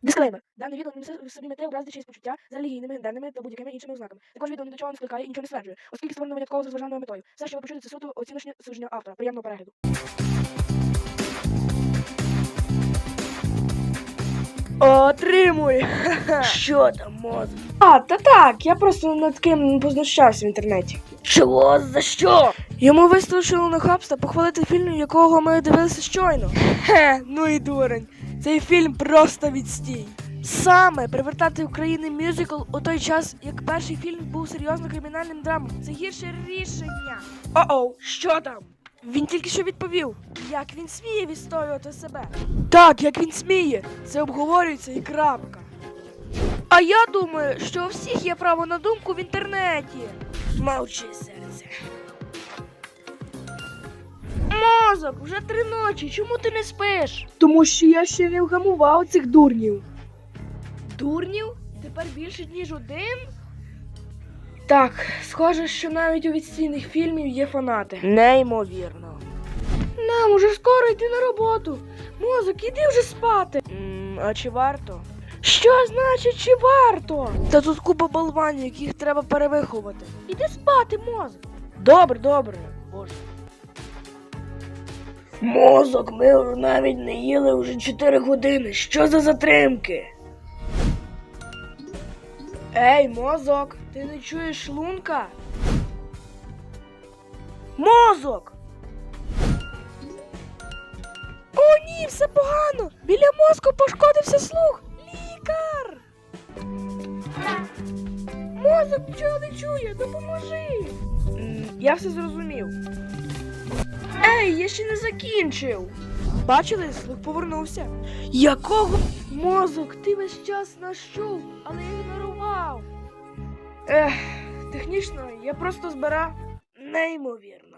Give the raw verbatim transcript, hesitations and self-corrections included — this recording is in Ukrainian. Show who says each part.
Speaker 1: Дисклеймер. Дане відео не несе в собі мети образити чиїсь почуття з релігійними, гендерними та будь-якими іншими ознаками. Також відео ні до чого не скликає і нічого не стверджує, оскільки створено винятково з розважальною метою. Все, що ви почуєте, це суто оціночне судження автора. Приємного перегляду. Отримуй!
Speaker 2: Що там, мозок?
Speaker 1: А, та так, я просто над ким познущався в інтернеті.
Speaker 2: Чого? За що?
Speaker 1: Йому вистачило нахабства похвалити фільм, якого ми дивилися щойно. Хе, ну і дурень. Цей фільм просто відстій. Саме привертати в Україні мюзикл у той час, як перший фільм був серйозно кримінальним драмом. Це гірше рішення. О-оу, що там? Він тільки що відповів, як він сміє відстоювати себе. Так, як він сміє. Це обговорюється і крапка. А я думаю, що у всіх є право на думку в інтернеті.
Speaker 2: Мовчи, серце.
Speaker 1: Мозок, вже три ночі, чому ти не спиш? Тому що я ще не вгамував цих дурнів. Дурнів? Тепер більше, ніж один? Так, схоже, що навіть у відстійних фільмів є фанати.
Speaker 2: Неймовірно.
Speaker 1: Нам уже скоро йти на роботу. Мозок, іди вже спати.
Speaker 2: М, а чи варто?
Speaker 1: Що значить, чи варто? Та тут купа болванів, яких треба перевиховати. Іди спати, мозок. Добре, добре. Боже.
Speaker 2: Мозок, ми навіть не їли вже чотири години. Що за затримки?
Speaker 1: Ей, мозок, ти не чуєш шлунка? Мозок! О, ні, все погано! Біля мозку пошкодився слух! Лікар! Мозок нічого не чує, допоможи! М, Я все зрозумів. Ей, я ще не закінчив! Бачили, слух повернувся. Якого? Мозок, ти весь час нас чув, але я ігнорував. Ех, технічно, я просто збирав.
Speaker 2: Неймовірно.